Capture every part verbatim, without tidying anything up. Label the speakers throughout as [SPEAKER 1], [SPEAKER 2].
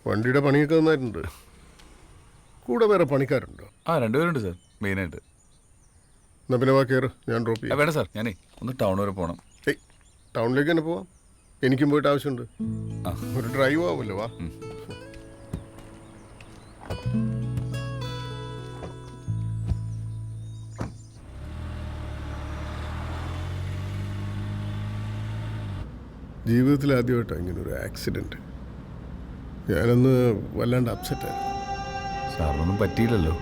[SPEAKER 1] വണ്ടിയുടെ പണിയൊക്കെ നന്നായിട്ടുണ്ട്. കൂടെ വേറെ പണിക്കാരുണ്ടോ?
[SPEAKER 2] ആ രണ്ടുപേരുണ്ട് സാർ, മെയിനായിട്ട്.
[SPEAKER 1] എന്നാ പിന്നെ വാ കയറ്, ഞാൻ ഡ്രോപ്പ് ചെയ്യാം.
[SPEAKER 2] വേണ്ട സാർ, ഞാനേ ഒന്ന് ടൗൺ വരെ പോകണം.
[SPEAKER 1] ഏയ് ടൗണിലേക്ക് തന്നെ പോവാം, എനിക്കും പോയിട്ട് ആവശ്യമുണ്ട്. ഒരു ഡ്രൈവ് ആവുമല്ലോ, വാ. ജീവിതത്തിൽ ആദ്യമായിട്ടാണ് ഇങ്ങനെ ഒരു ആക്സിഡൻറ്റ്. ഞാനന്ന് വല്ലാണ്ട് അപ്സെറ്റായിരുന്നു.
[SPEAKER 2] സാറിനൊന്നും പറ്റിയില്ലല്ലോ.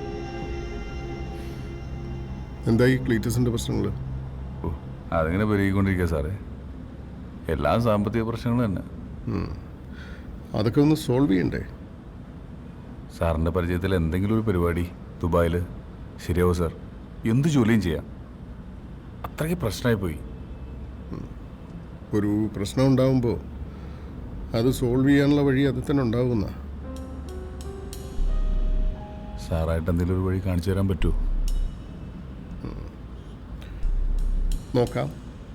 [SPEAKER 1] എന്തായി ക്ലീറ്റസിൻ്റെ പ്രശ്നങ്ങൾ?
[SPEAKER 2] ഓ അതിങ്ങനെ പെരുകിക്കൊണ്ടിരിക്കുക സാറേ, എല്ലാ സാമ്പത്തിക പ്രശ്നങ്ങളും തന്നെ.
[SPEAKER 1] അതൊക്കെ ഒന്ന് സോൾവ് ചെയ്യണ്ടേ?
[SPEAKER 2] സാറിൻ്റെ പരിചയത്തിൽ എന്തെങ്കിലും ഒരു പരിപാടി ദുബായിൽ ശരിയാവും സാർ, എന്ത് ജോലിയും ചെയ്യാം. അത്രയ്ക്ക് പ്രശ്നമായി പോയി.
[SPEAKER 1] ഒരു പ്രശ്നം ഉണ്ടാകുമ്പോൾ അത് സോൾവ് ചെയ്യാനുള്ള വഴി അത് തന്നെ ഉണ്ടാകുന്ന.
[SPEAKER 2] സാറായിട്ട് എന്തെങ്കിലും ഒരു വഴി കാണിച്ചു തരാൻ പറ്റുമോ?
[SPEAKER 1] നോക്കാം.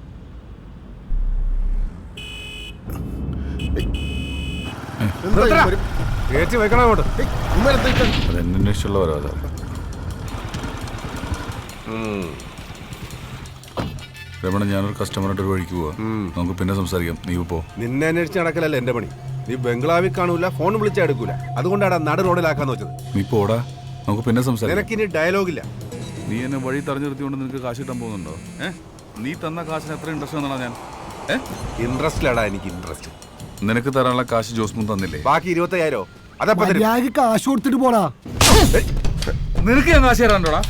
[SPEAKER 2] അതെന്നെ ഇഷ്ടമുള്ള വരാ സാർ. രമണ, ഞാനൊരു കസ്റ്റമറായിട്ട് ഒരു വഴിക്ക് പോവാ, നമുക്ക് പിന്നെ സംസാരിക്കാം. നീ പോ.
[SPEAKER 3] നിന്നെ അന്വേഷിച്ച് നടക്കലല്ല എന്റെ പണി. നീ ബംഗ്ലാവിൽ കാണൂല, ഫോൺ വിളിച്ചാൽ എടുക്കൂല, അതുകൊണ്ടാണ് നട റോഡിലാക്കാന്ന് വെച്ചത്.
[SPEAKER 2] നീ പോടാ, നമുക്ക് പിന്നെ സംസാരിക്കാം.
[SPEAKER 3] നിനക്കിനി ഡയലോഗില്ല.
[SPEAKER 2] നീ എന്നെ വഴി തടഞ്ഞു നിർത്തിക്കൊണ്ട് നിനക്ക് കാശ് കിട്ടാൻ പോകുന്നുണ്ടോ? ഏഹ് നീ തന്ന കാശിന് എത്ര ഇൻട്രസ്റ്റ് വന്നാ ഞാൻ? ഏഹ്
[SPEAKER 3] ഇൻട്രസ്റ്റിലാടാ എനിക്ക് ഇൻട്രസ്റ്റ്.
[SPEAKER 2] നിനക്ക് തരാനുള്ള കാശ് ജോസ്മുൻ തന്നില്ലേ?
[SPEAKER 3] ബാക്കി ഇരുപത്തയ്യായിരോ അതപ്പോ
[SPEAKER 4] കാശ് കൊടുത്തിട്ട് പോടാ.
[SPEAKER 2] നിനക്ക് ഞാൻ കാശ് തരാണ്ടോടാ?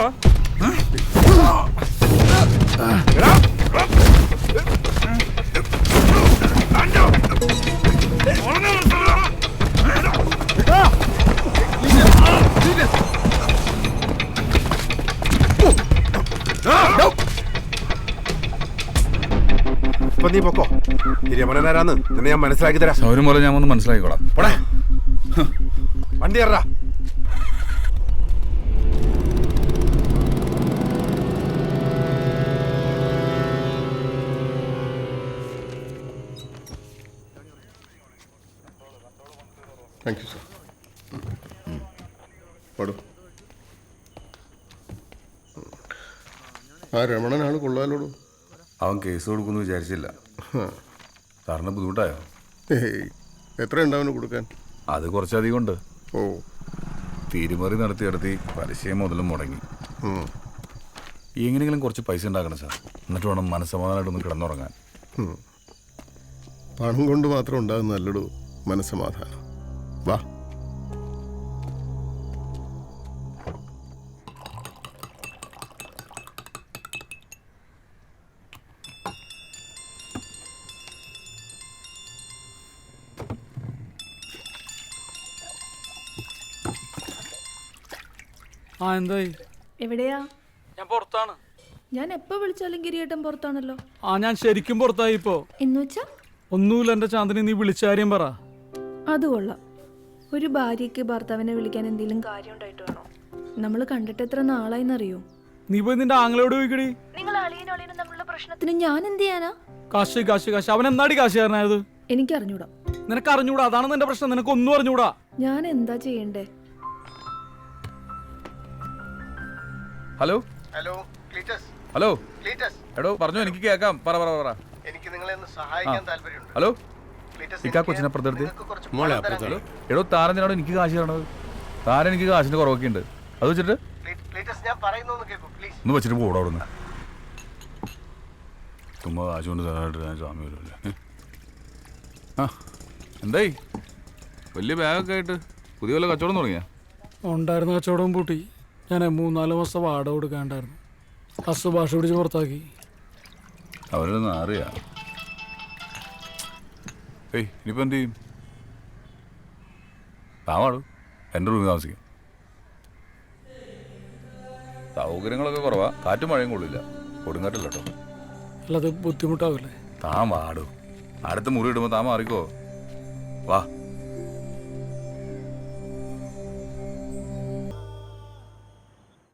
[SPEAKER 3] ഇപ്പൊ നീ പൊക്കോ. രമണനാരാന്ന് നിന്നെ ഞാൻ മനസ്സിലാക്കി തരാം.
[SPEAKER 2] സൗരം പോലെ ഞാൻ ഒന്ന് മനസ്സിലാക്കിക്കോളാം.
[SPEAKER 3] പോടേ, വണ്ടി കയറാ.
[SPEAKER 1] Thank you sir. പാടും. ആ രമണനാണ് കൊള്ളാലോടു.
[SPEAKER 2] അവൻ കേസ് കൊടുക്കുമെന്ന് വിചാരിച്ചില്ല. സാറിന് ബുദ്ധിമുട്ടായോ?
[SPEAKER 1] ഏയ് എത്ര ഉണ്ടാവുന്നു കൊടുക്കാൻ?
[SPEAKER 2] അത് കുറച്ചധികം ഉണ്ട്.
[SPEAKER 1] ഓ,
[SPEAKER 2] തീരുമറി നടത്തി നടത്തി പലിശയും മുതലും മുടങ്ങി. എങ്ങനെയെങ്കിലും കുറച്ച് പൈസ ഉണ്ടാക്കണം സാർ, എന്നിട്ട് വേണം മനസ്സമാധാനമായിട്ടൊന്ന് കിടന്നുറങ്ങാൻ.
[SPEAKER 1] പണം കൊണ്ട് മാത്രം ഉണ്ടാകുന്ന നല്ലൊരു മനസ്സമാധാനം. വാ.
[SPEAKER 4] ആ എന്തായി?
[SPEAKER 5] എവിടെയാ?
[SPEAKER 4] ഞാൻ പുറത്താണ്.
[SPEAKER 5] ഞാൻ എപ്പോ വിളിച്ചാലും കിരീട്ടം പുറത്താണല്ലോ.
[SPEAKER 4] ആ ഞാൻ ശരിക്കും പുറത്തായി ഇപ്പോ.
[SPEAKER 5] എന്നുവെച്ചാ?
[SPEAKER 4] ഒന്നുമില്ല എന്റെ ചാന്ദിനി, നീ വിളിച്ച കാര്യം പറ.
[SPEAKER 5] അത് കൊള്ളാം. ഒരു ഭാര്യയ്ക്ക് ഭർത്താവിനെ വിളിക്കാൻ എന്തെങ്കിലും കാര്യം ഉണ്ടായിട്ട് വേണോ? നമ്മൾ കണ്ടിട്ട് എത്ര നാളായിന്നറിയോ?
[SPEAKER 4] നീ പോയി നിന്റെ ആങ്ങളോട് ചോദിക്കടി.
[SPEAKER 5] നിങ്ങൾ അളിയനും അളിയനും തമ്മിലുള്ള പ്രശ്നത്തിന് ഞാൻ എന്ത് ചെയ്യാനാ?
[SPEAKER 4] കാശ് കാശ് കാശ്. അവൻ എന്നാടി കാശുകാരനായത്?
[SPEAKER 5] എനിക്ക് അറിഞ്ഞൂടാ.
[SPEAKER 4] നിനക്ക് അറിഞ്ഞൂടാ, അതാണ് നിന്റെ പ്രശ്നം. നിനക്ക് ഒന്നും അറിഞ്ഞൂടാ.
[SPEAKER 5] ഞാൻ എന്താ ചെയ്യണ്ടേ?
[SPEAKER 2] Hello
[SPEAKER 1] hello Cleetus.
[SPEAKER 2] Hello
[SPEAKER 1] Cleetus.
[SPEAKER 2] എടോ പറഞ്ഞു, എനിക്ക് കേൾക്കാം. പറ പറ പറ.
[SPEAKER 1] എനിക്ക് നിങ്ങളെ ഒന്ന് സഹായിക്കാൻ താല്പര്യമുണ്ട്.
[SPEAKER 2] ഹലോ
[SPEAKER 1] ക്ലീറ്റസ്,
[SPEAKER 2] ഇക്കാ കൊച്ചിനപ്പുറത്തെടുത്ത്.
[SPEAKER 3] മോളെ അപ്പുറത്ത്.
[SPEAKER 2] എടോ താരത്തിനോട് എനിക്ക് കാശ് തരണത്. താരം എനിക്ക് കാശിന്റെ കുറവൊക്കെ ഉണ്ട്. അത് വെച്ചിട്ട്
[SPEAKER 1] ക്ലീറ്റസ് ഞാൻ പറയുന്നൊന്ന് കേൾക്കൂ പ്ലീസ്.
[SPEAKER 2] ഒന്ന് വെച്ചിട്ട് പോടാ അവിടുന്ന്. ചുമ്മാ കാശ് കൊണ്ട് തരാനായിട്ട് ഞാൻ സ്വാമി വരുമല്ലേ. ആ എന്തായി? വലിയ ബാഗൊക്കെ ആയിട്ട് പുതിയ വല്ല കച്ചവടം തുടങ്ങിയാ?
[SPEAKER 4] ഉണ്ടായിരുന്ന കച്ചവടം പൂട്ടി. ഞാൻ മൂന്നാല് മാസം വാടക കൊടുക്കാണ്ടായിരുന്നു. ഹസ് ഭാഷ പിടിച്ച് പുറത്താക്കി.
[SPEAKER 2] അവരൊന്നും അറിയാ. ഏയ് ഇനിയിപ്പോൾ എന്ത് ചെയ്യും? താവാടും എൻ്റെ റൂമിൽ താമസിക്കും. സൗകര്യങ്ങളൊക്കെ കുറവാ, കാറ്റും മഴയും കൊള്ളില്ല, കൊടുങ്കാറ്റില്ല കേട്ടോ.
[SPEAKER 4] അല്ലാതെ ബുദ്ധിമുട്ടാവില്ലേ?
[SPEAKER 2] താൻ വാടും. അടുത്ത മുറി ഇടുമ്പോൾ താൻ മാറിക്കോ. വാ.